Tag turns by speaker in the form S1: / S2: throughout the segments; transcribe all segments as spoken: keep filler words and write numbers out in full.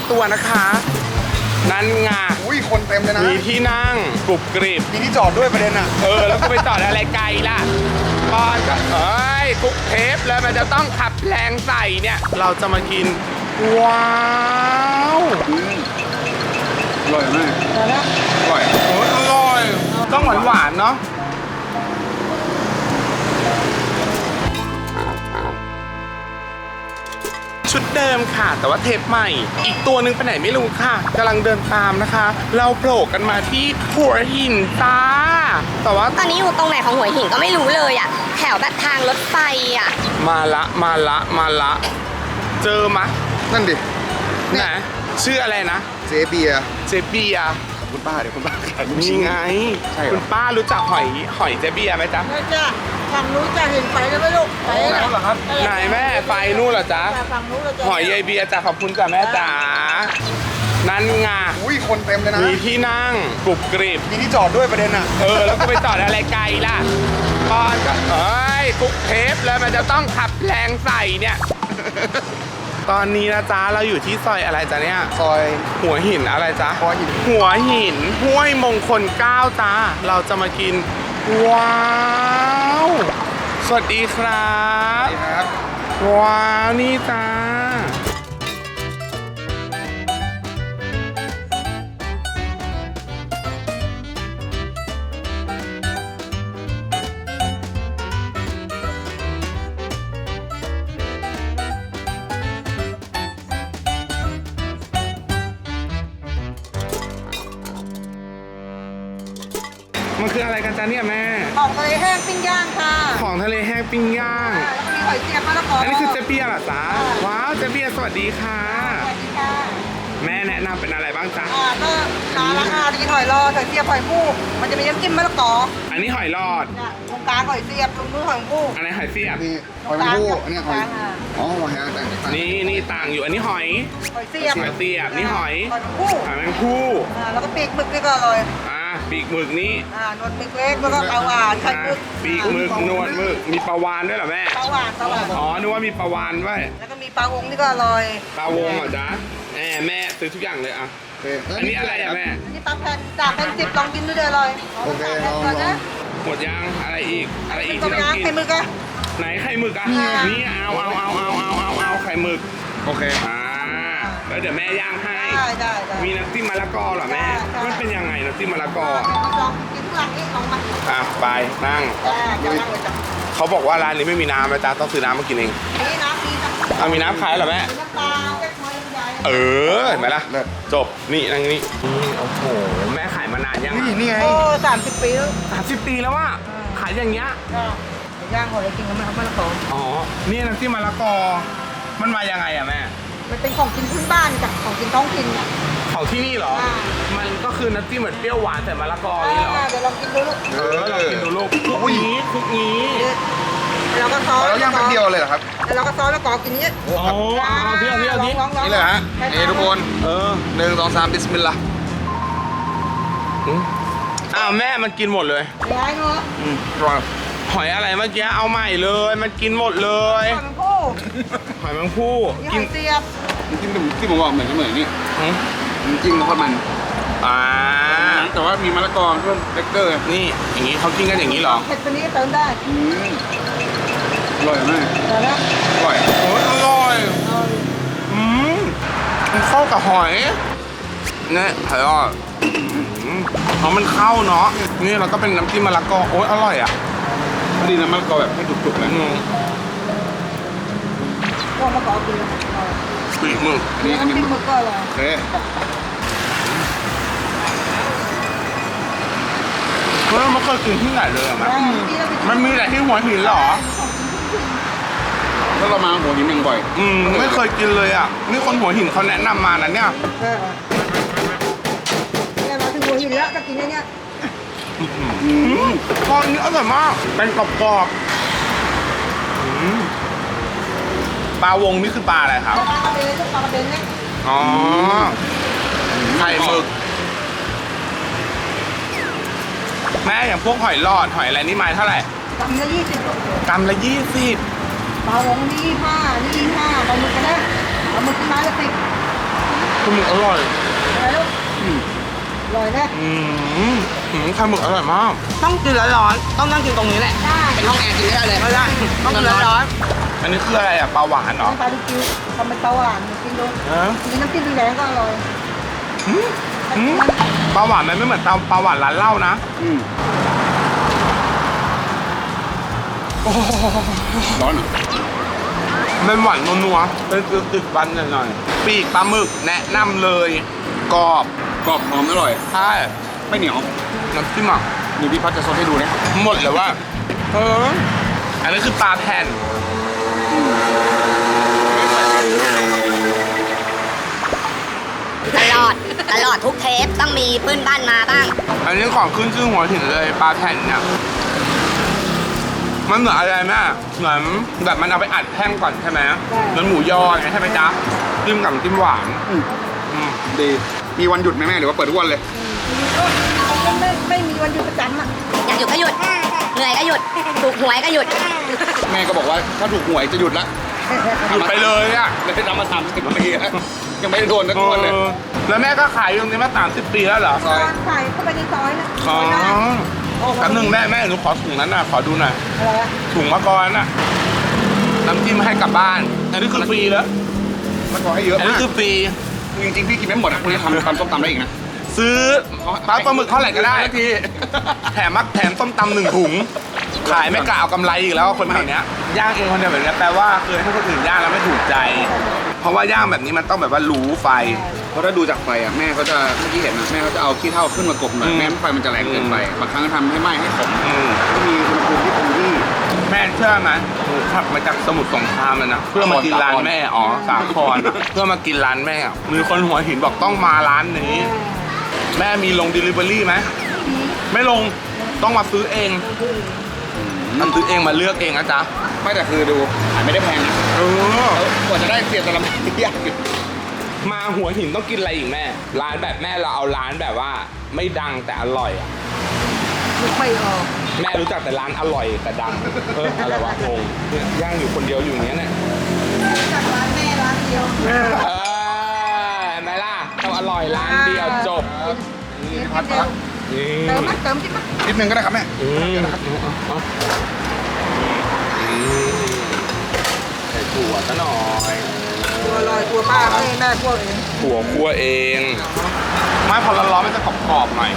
S1: ตัวนะคะนั่นไง
S2: อุ้ยคนเต็มเลยนะ
S1: มีที่นั่งกรุบกริบ
S2: มีที่จอดด้วยประเด็นอ่ะ
S1: เออแล้วก็ไปจอดอะไรไกลล่ะตอนก็เอ้ยทุกเทปเลยมันจะต้องขับแรงใส่เนี่ยเราจะมากินว้าว
S2: อร่อยมากอร่อย
S1: โอ้ยอร่อยต้องหวานหวานเนาะชุดเดิมค่ะแต่ว่าเทปใหม่อีกตัวหนึ่งไปไหนไม่รู้ค่ะกำลังเดินตามนะคะเราโผล่กันมาที่หัวหินจ้าแต่ว่า
S3: ตอนนี้อยู่ตรงไหนของหัวหินก็ไม่รู้เลยอ่ะแถวแบบทางรถไฟอ่ะ
S1: มาละมาละมาละเจอมะ
S2: นั่นดิ
S1: ไหนชื่ออะไรนะ
S2: เจเบีย
S1: เจเบีย
S2: คุณป้าเดี๋ยวคุณป้าขายลูก
S1: นี่
S2: ชิ้น
S1: ไงคุณป้ารู้จักหอยหอยเจเบียไหมจ๊ะ
S4: ไม่จ้ะฝั่งนู้นจะเห็นไฟแล้วไหมลูกไฟไหนเหรอครับ
S1: ไหนแม่ไฟนู่นเหรอจ๊ะ
S4: ฝั่งนู้นเราจะ
S1: หอยเจเบียจ้ะขอบคุณจ้ะแม่จ๋านั่นไง
S2: อุ้ยคนเต็มเลยนะ
S1: มีที่นั่งกรุบกริบ
S2: มีที่จอดด้วยประเด็นอ่ะ
S1: เออแล้วก็ไปจอดอะไรไกลล่ะตอนก็เอ้ยทุกเทปเลยมันจะต้องขับแรงใส่เนี่ยตอนนี้นะจ๊ะเราอยู่ที่ซอยอะไรจ๊ะเนี่ย
S2: ซอย
S1: หัวหินอะไรจ๊ะ
S2: หัวหิน
S1: หัวหินห้วยมงคลเก้าจ้าเราจะมากินว้าวสวัสดีครับ
S2: สวัสดีครับ
S1: ว้าวนี่จ้ามันคืออะไรกันจ๊ะเนี่ยแม่
S4: ของทะเลแห้งปิ้งย่างค่ะ
S1: ของทะเลแห้งปิ้งย่าง
S4: แล้วก็มีหอยเสียบมะละกอ
S1: อันนี้คือเจเปียเหรอจ๊ะว้าวเจเปียสวัสดีค่ะ
S4: สวัสดีค่ะ
S1: แม่แนะนำเป็นอะไรบ้างจ๊ะ
S4: อ่าก็ร้านราคาดีหอยรอหอยเสียบหอยผู้มันจะมีน้ำจิ้มมะละกอ
S1: อันนี้หอยหลอด
S4: ตรงกลางหอยเสียบตรงนู้นหอยผู้
S1: อันนี้หอยเสียบ
S2: นี่หอยผู้อันนี้หอยอ๋อหอยแต่
S1: นี่นี่ต่างอยู่อันนี้หอย
S4: หอยเสียบ
S1: หอยเสียบนี่หอย
S4: หอยผู้
S1: หอยแมงผู้
S4: อ่าแล้วก็ปีกหมึกนี่ก็อร่อย
S1: อ่าปีกหมึกนี่
S4: อ่านวดหมึกเล็กแล้วก็ปลาหวานไข่หมึก
S1: ปีกหมึกนวดหมึกมีปลาวานด้วยเหรอแม่
S4: ปลาหวานปลาหวาน
S1: อ๋อนึกว่ามีปลาวานด้วย
S4: แล้วก็มีปลาวงนี่ก็อร่อย
S1: ปลาวงเหรอจ๊ะแม่แม่ซื้อทุกอย่างเลยอ่ะอันนี้อะไรอ่ะแม่
S4: อันนี้ปลาแผ่นจากเป็นสิบลองกินดูเดี๋ยวอร่อย
S2: โอเคลองลอง
S1: หมดยังอะไรอีกอะไรอีกที่เรากิน
S4: ไข่หมึกอะ
S1: ไหนไข่หมึกอ่ะนี่เอาเอาเอาเอาเอาเอาเอาไข่หมึก
S2: โอเค
S1: อ่าแล้วเดี๋ยวแม่ย่างให้
S4: ได้ได้
S1: มีน้ำจิ้มมะละกอเหรอแม่มันเป็นยังไงน้ำจิ้มมะละกอ
S4: ลองกินทุกอย่างนี่ลองมา
S1: อ่ะไปนั่งเขาบอกว่าร้านนี้ไม่มีน้ำนะจ๊ะต้องซื้อน้ำมากินเอง
S4: มีน้ำมีน้ำ
S1: เอามีน้ำขายเหรอแม่
S4: น้ำปลาเล็กน้อยใหญ่
S1: เออเห็นไหมล่ะจบนี่นั่งนี่โอ้โหแม่ขายมานานยัง
S2: นี่นี่ไง
S4: โอ้สามสิบปีแล้ว
S1: สามสิบปีแล้วว่าขายอย่างเงี้ย
S4: ย่างหอยกินกันไหมครับมะละกอ
S1: อ๋อนี่น้ำจิ้มมะละกอมันมายังไงอะแม่
S4: มันเป็นของกินพื้นบ้านจากของกินท้องถิ่น
S1: ของที่นี่เหรอมันก็คือน้ำจิ้มเหมือนเปรี้ยวหวานแต่มะละกอนี่เหรอ
S4: เดี๋ยวลองกินดูลูก
S1: เออลองกินดูลูกทุกนี้ทุกนี้
S4: เราก็ซอส
S2: แล้วย่างแป๊บเดียวเลยเหรอครับ
S4: แล้วเราก็ซอสแล้วก็กินนี้
S1: โอ้เอาเที่ยวเที่ยวนี้
S2: นี่เลยฮะนี่ทุกคน
S1: เออ
S2: หนึ่งสองสามบิสมิลลาห์
S1: อ้าวแม่มันกินหมดเลย
S4: ย้ายเนาะ
S2: อืมอร่อย
S1: หอยอะไรเมื่อกี้เอาใหม่เลยมันกินหมดเลย
S4: หอยแมงผู้
S1: หอยแมงผู้
S4: กินเสียบ
S2: จิ้มที่ผมบอกเหมือนเหมือนนี่จิ้มทอดมัน
S1: อ่า
S2: แต่ว่ามีมะละกอเพิ่มเบเกอร์
S1: นี่อย่างนี้เขากินกันอย่างนี้เหรอ
S4: เผ็ดตัวนี้เติมได้
S2: อืมอร่อยมากอร่อย
S1: โอ้ยอร่อยอืมมันเข้ากับหอยเนี่ยหอยอ่ะเพราะมันเข้าเนาะนี่เราก็เป็นน้ำจิ้มมะละกอโอ้ยอร่อยอ่ะ
S2: พอดีน้ำมะละกอแบบให้จุกๆนะ
S4: ก็มะละกอกิน
S1: ปีกหมึก
S4: นี่อันนี้หมึกก็อร่อย
S2: โอเค
S1: เฮ้ยมันเคยกินที่ไหนเลยอ่ะมันมันมีแต่ที่หัวหินเหรอ
S2: ถ้าเรามาหัวหินยังบ่อย
S1: อืมไม่เคยกินเลยอ่ะนี่คนหัวหินเขาแนะนำมานะเนี่ย
S4: เนี่ยมาถึงหัวหินแล้วจะกินเนี่ยเนี่ย
S1: ตอนนี้อร่อยมากเป็นกรอบๆปลาวงนี่คือปลาอะไรครับ
S4: ปลากระเบนปลากระเบนเนี่ย
S1: อ๋อไข่หมึกแม่อย่างพวกหอยหลอดหอยอะไรนี่ไม้เท่าไหร่
S4: กำละยี่สิบ
S1: กำละยี่สิบ
S4: ปลาวงนี่ห้านี่ห้าปลาหมึกก็ได้ปลาหมึกไม้ละสิบ
S1: คือหมึกอร่อย
S4: อะไรลูกอร่อยนะ
S1: อืมอืมไข่หมึกอร่อยมาก
S4: ต้องกินร้อนๆต้องนั่งกินตรงนี้แหละ
S3: ได้
S4: เป็นห้องแอร์กินได้เลยไม่ได้ต้องกินร้อน
S1: อันนี้คืออะไรอ่ะปลาหวานเหรอ
S4: ๆปลาดิคิวทำเป็นเตาหวานกินดู
S1: ฮะ
S4: กินน้ำจิ้มแดงก็อร่อย
S1: อืมอืมปลาหวานมันไม่เหมือนปลาปลาหวานร้านเหล้านะ
S2: อืม
S1: โอ้โห
S2: ร้อนเหรอ
S1: มันหวานนัวๆเป็นติดๆวันหน่อยๆปีกปลาหมึกแนะนำเลยกรอบ
S2: กรอบหอมอร่อย
S1: ใช่
S2: ไม่เหนียว
S1: น้ำจิ้มอ่ะ
S2: มีพี่พัดจะซดให้ดูนะ
S1: หมดเลยว่าเอออันนี้คือปลาแผ่น
S3: ตลอดตลอดทุกเทปต้องมีเพื่อนบ้านมาบ้าง
S1: อันนี้ของขึ้นชื่อหัวหินเลยปลาแผ่นเนี่ยมันเหมือนอะไรแม่เหมือนแบบมันเอาไปอัดแท่งก่อนใช่ไหมเหมือนหมูยอไงใช่ไหมจ๊ะจิ้มกับน้ำจิ้มหวาน
S2: อืม
S1: อืม
S2: ดี มีวันหยุดไหมแม่หรือว่าเปิดทุกวันเลย
S4: ไม่ไม่มีวันหยุดประจำอ่ะ
S3: อยากหยุดก็หยุด เหนื่อยก็หยุด ถูกหวยก็หยุด
S2: แม่ก็บอกว่าถ้าถูกหวยจะหยุดละ
S1: หยุดไปเลยอ่ะ
S2: เลยทำมาสามสิบปีแล้วยังไม่ได้โดนสักคนเลย
S1: เออแล้วแม่ก็ขายอยู่ตรงนี้มาสามสิบปีแล้วเหรอ
S2: ซอย
S4: ใส่เข้าไปในซอยนะ
S1: อ๋อ
S4: โอ้โห
S1: แป๊บนึงแม่แม่หนูขอถุงนั้นน่ะขอดูหน่อย
S4: อะไรอะ
S1: ถุงมะกรน่ะน้ำจิ้มให้กลับบ้านอันนี้คือฟรีแล้ว
S2: มันขอให้เยอะ
S1: อันนี้
S2: มาก
S1: คือฟรี
S2: จริงๆพี่กินไม่หมดอ่ะคุณจะทำตำส้มตำได้อีกนะ
S1: ซื้อปลาปลาหมึกเท่าไหร่ก็ได้ทีแถมมักแถมต้มตำหนึ่งถุง ขายไม่กะเอากำไรอีกแล้วคนแถวเนี้ยย่างเองคนเดียวแบบเนี้ยแปลว่าเคยให้คนอื่นย่างแล้วไม่ถูกใจ เพราะว่าย่างแบบนี้มันต้องแบบว่ารู้ไฟ
S2: เพราะถ้าดูจากไฟอ่ะแม่เขาจะเมื่อกี้เห็นนะแม่เขาจะเอาขี้เถ้าขึ้นมากบหน่อย
S1: อืม
S2: แม่งั้นไฟมันจะแรงเกินไปบางครั้งก็ทำให้ไหม้ให้ขม
S1: อืม
S2: ก็มีอุณหภูมิที่คงที่
S1: แม่เชื่อไหมหนูขับมาจากสมุทรสงครามเลยนะเพื่อมากินร้านแม่อ๋อสาครอะเพื่อมากินร้านแม่อะมีคนหัวหินบอกต้องมาร้านนี้ แม่มีลง delivery ไหมไม่ลงต้องมาซื้อเองมาซื้อเองมาเลือกเองนะจ๊ะ
S2: ไม่แต่คือดูขายไม่ได้แพงนะ
S1: เออ
S2: กว่าจะได้เสียแต่ละมันยากอยู่
S1: มาหัวหินต้องกินอะไรอีกแม่ ร้านแบบแม่เราเอาร้านแบบว่า ไม่ดังแต่อร่อยอะ
S4: ไม่ค่อยออก
S1: แม่รู้จักแต่ร้านอร่อยแต่ดังเอออะไรวะงงเนี่ยย่างอยู่คนเดียวอยู่อย่างเงี้ยเนี่ย
S4: จากร้านแม่ร้านเดียว
S1: เออเห็นไหมล่ะต้องอร่อยร้านเดียวจบ
S2: นี่พัดมาแล้ว
S1: นี่
S4: เติมมั้ยเติมจิ๊บมั้ย
S2: นิดนึงก็ได้ครับแม่
S1: อืมเอาอืมใส่ถั่วซะหน่อย
S4: ตัวลอยตัวป้าเขาเองแม่พวกเอง
S1: ถั่วคั่วเองไม่พอร้อนๆมันจะกรอบๆหน่อย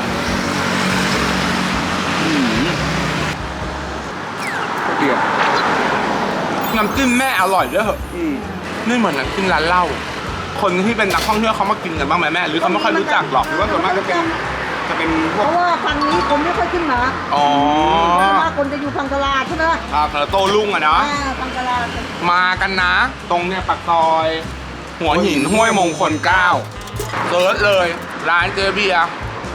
S2: เดียว
S1: น้ำจิ้มแม่อร่อยด้วยเหรอ
S2: อืม
S1: นี่เหมือนน้ำจิ้มร้านเหล้าคนที่เป็นนักท่องเที่ยวเขามากินกันบ้างไหมแม่หรือเขาไม่ค่อยรู้จักหรอก
S2: หรือว่าส่วนมากจะเป็นจะเป็นพ
S4: เพ
S2: วก
S4: ราะว่าฝั่งนี้คนไม่ค่อยขึ้นมา
S1: อ๋อ
S4: เพราะว่าคนจะอยู่ฝั่งตลาดใช่ไหม
S1: ครับแล้วโตลุ่งอะเนาะ
S4: อ่าฝั่งตลาด
S1: มากันนะ ตรงเนี่ยปากซอย หัวหินห้วยมงคลเก้าเซิร์ชเลย ร้านเจอเบียร์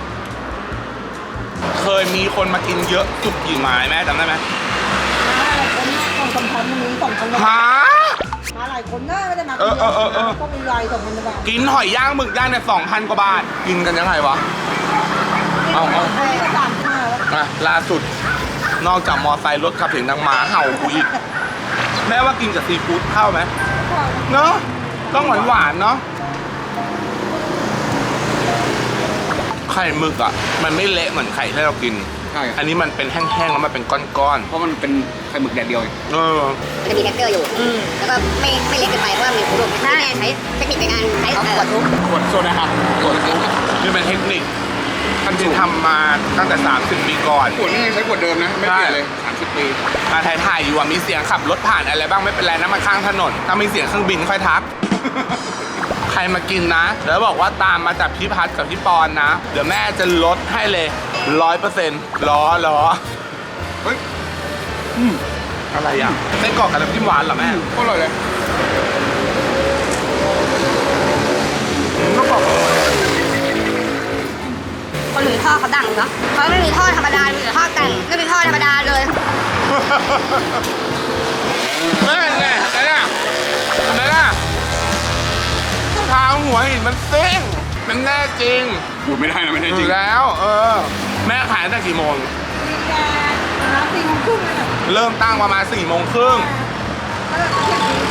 S1: เคยมีคนมากินเยอะสุดกี่ไม้แม่จำได้ไหม
S4: มาหลายคนนะสองสามพันมีสองพัน
S1: ฮะ
S4: มาหลายคนนะไม่ได้มา
S1: เออเออเออเออ
S4: ก็มีรายสองพันบาท
S1: กินหอยย่างหมึกย่างเนี่ยสองพันกว่าบาท กินกันยังไงวะ เอาเอา
S4: อันนี้ก็สามห้าแล้ว
S1: อ่ะล่าสุด นอกจากมอไซค์รถขับเสียงดังหมาเห่ากูอีก แม่ว่ากินกับซีฟู้ดเข้าไหมเนาะต้องหวานหวานๆเนาะไข่หมึกอ่ะ มันไม่เละเหมือนไข่ที่เรากิน
S2: ใช่
S1: อันนี้มันเป็นแห้งๆแล้วมันเป็นก้อน
S2: เพราะมันเป็นไข่หมึกแดดเดียวไง
S1: ๆเออ
S3: มันจะมีเท็กเจอร์อยู่ แล้วก็ไม่ไม่เล็กเกินไปเพราะว่ามีขูดแม่ใช้เทคนิคในการใช้ขวดทุบ
S2: ขวดโซดาครับขวด
S1: นี่เป็นเทคนิคท่านที่ทำมาตั้งแต่สามสิบปีก่อน
S2: ขวดนี่ยังใช้ขวดเดิมนะ ไม่เปลี่ยนเลยสามสิบปี
S1: มาถ่ายๆอยู่อะมีเสียงขับรถผ่านอะไรบ้างไม่เป็นไรนะมาข้างถนน ถ้ามีเสียงเครื่องบินค่อยทัก ใครมากินนะ แล้วบอกว่าตามมาจากพี่พัดกับพี่ปอนนะ เดี๋ยวแม่จะลดให้เลยร้อยเปอร์เซ็นต์ล้อล้อ
S2: เฮ้ย
S1: อะไรอ่ะไส้กรอกกับน้ำจิ้มหวานเหรอแม่
S2: ก็อร่อยเลย
S1: ก็บอก
S3: คนหนึ่งทอดเขาดังเนาะเขาไม่มีทอดธรรมดามีแต่ทอดแต่งไม่มีทอดธรรมดาเลย
S1: แม่ไงอะไรน่ะอะไรน่ะทางหัวหินมันเซ้งมันแน่จริง
S2: พูดไม่ได้นะไม่ได้
S1: อ
S2: จริ
S1: ยู่
S2: ง
S1: แล้ว เออ แม่ขายตั้งแต่กี่โมง
S4: มีแกร้านสี่โมงครึ่งเลยนะ
S1: เริ่มตั้งประมาณสี่โมงครึ่ง
S4: แล้วก็เที่ยงคืน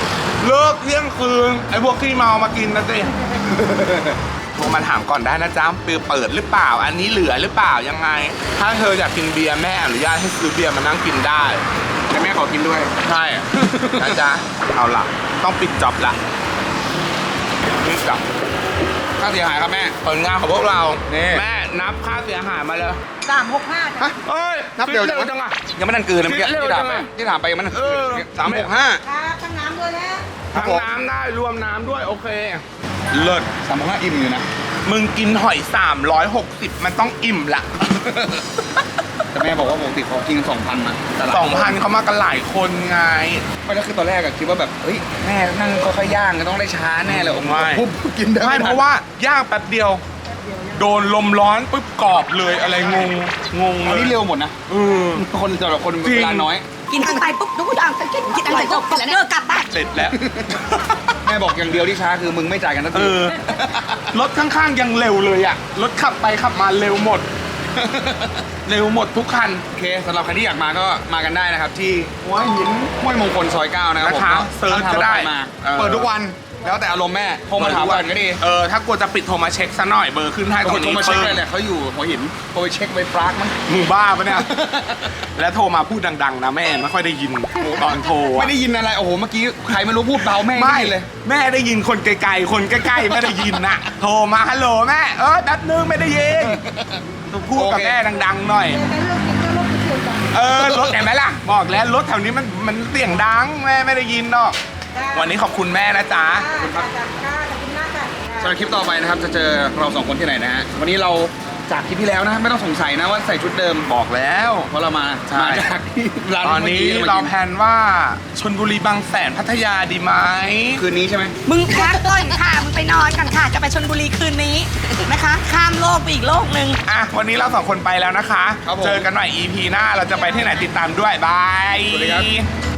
S1: เลิกเที่ยงคืนไอ้พวกขี้เมามากินนะสิโทรมาถามก่อนได้นะจ๊ะเปิดเปิดหรือเปล่า อันนี้เหลือหรือเปล่ายังไง ถ้าเธออยากกินเบียร์แม่อนุญาตให้ซื้อเบียร์มานั่งกินได้
S2: แต่แม่ขอกินด้วย
S1: ใช่ นะจ๊ะเอาล่ะ ต้องปิดจ็อบละปิดจ็อบ
S2: ค่าเสียหายครับแม่
S1: ผลงานของพวกเรา
S2: นี่
S1: แม่นับค่าเสียหายมาเลย
S4: สามหกห้า
S2: ฮะ
S1: เอ้ย
S2: นับเร็ว
S1: คิ
S2: จังวะ
S1: จังอะ
S2: ยังไม่ทันกลืนเลยเมื่อกี้
S1: คิดเร็ว
S2: ที่ถามไป
S1: จังอะ
S2: ที่ถามไปยังไม่ทันกลื
S1: เออ
S2: นสามหกห้า
S4: ครับทั้งน้ำด้วยนะ
S2: ครับ
S1: ทั้ง
S2: ผม
S1: น้ำได้รวมน้ำด้วยโอเค เลิศ
S2: สามหกห้าอิ่มอยู่นะ
S1: มึงกินหอยสามร้อยหกสิบมันต้องอิ่มละ
S2: แต่แม่บอกว่าปกติเขากินสองพันนะแต่ละ
S1: สองพันเขามากันหลายคนไง
S2: ไม่แล้วคือตอนแรกอะคิดว่าแบบเฮ้ยแม่นั่งค่อยๆย่างก็ต้องได้ช้าแน่เลยผม
S1: ไม่
S2: ปุ๊บกินได้
S1: ไม่เพราะว่าย่างแป๊บเดียว โดนลมร้อนปุ๊บกรอบเลยอะไรงงงง
S2: อัน
S1: เลย
S2: นี้เร็วหมดนะ
S1: เออ
S2: คนสำหรับคน
S1: จริง
S2: เวลาน้อย
S3: กินอันไปปุ๊บทุกอย่างกินกินอันไปปุ๊บแล้วเลิกกลับบ้าน
S1: เสร็จแล้ว
S2: แม่บอกอย่างเดียวที่ช้าคือมึงไม่จ่ายกันทัน
S1: เอ
S2: ที
S1: อ รถข้างๆยังเร็วเลยอะรถขับไปขับมาเร็วหมด เร็วหมดทุกคัน
S2: โอเคสำหรับใครที่อยากมาก็มากันได้นะครับ ที่หัวหินห้วยมงคลซอยเก้านะครับผม
S1: นะคะเสิร์ชก็ได้
S2: ทางรถฟมา
S1: เออ
S2: เปิดทุกวันแล้วแต่อารมณ์แม่โทรมาถามก่อนก็ดี
S1: เออถ้ากลัวจะปิดโทรมาเช็คซะหน่อยเบอร์ขึ้นให้ตร
S2: คน
S1: ง
S2: โทร
S1: นี้
S2: มาเช็ค
S1: ปึ้
S2: เลย
S1: ง
S2: แหละเขาอยู่หัวหินโทรไปเช็คไปปรากมั้ง
S1: มึงบ้าปะเนี่ย แล้วโทรมาพูดดังๆนะแม่ไม่ค่อยได้ยินตอนโทรอะ
S2: ไม่ได้ยินอะไรโอ้โหเมื่อกี้ใครไม่รู้พูดเบาแม่ง
S1: ไม่
S2: ด้ยินเลย
S1: แม่ได้ยินคนไกลๆคนใกล้ๆไม่ได้ยินนะโทรมาฮัลโหลแม่เออแป๊บนึงไม่ได้ยินพูดกับแม่ดังๆหน่อย
S4: แต่เรื่องกินก็เรื่องกินเสียงดัง
S1: เออรถเห็นไหมล่ะ บอกแล้วรถแถวนี้มันมันเสียงดังแม่ไม่ได้ยินหรอกวันนี้ขอบคุณแม่นะจ๊ะ
S4: ค่ะค่ะค่ะขอบคุณมากค่ะ
S2: สำหรับคลิปต่อไปนะครับจะเจอเราสองคนที่ไหนนะฮะวันนี้เราจากคลิปที่แล้วนะไม่ต้องสงสัยนะว่าใส่ชุดเดิม
S1: บอกแล้ว
S2: เพราะเรามา
S1: ใช่
S2: มาจากที่ร้าน
S1: ตอนนี้
S2: มื่กี้
S1: เรา
S2: มกิ
S1: แพลนว่าชลบุรีบางแสนพัทยาดีไหม
S2: คืนนี้ใช่ไหม
S3: มึงพักก่อนค่ะมึงไปนอนกันค่ะจะไปชลบุรีคืนนี้นะคะ ข้ามโลกไปอีกโลกหนึ่ง
S1: อ่ะวันนี้เราสองคนไปแล้วนะคะ
S2: ครับผม
S1: เจอกันใหม่ อี พี หน้าเราจะไปที่ไหนติดตามด้วยบาย
S2: สวัสดีครับ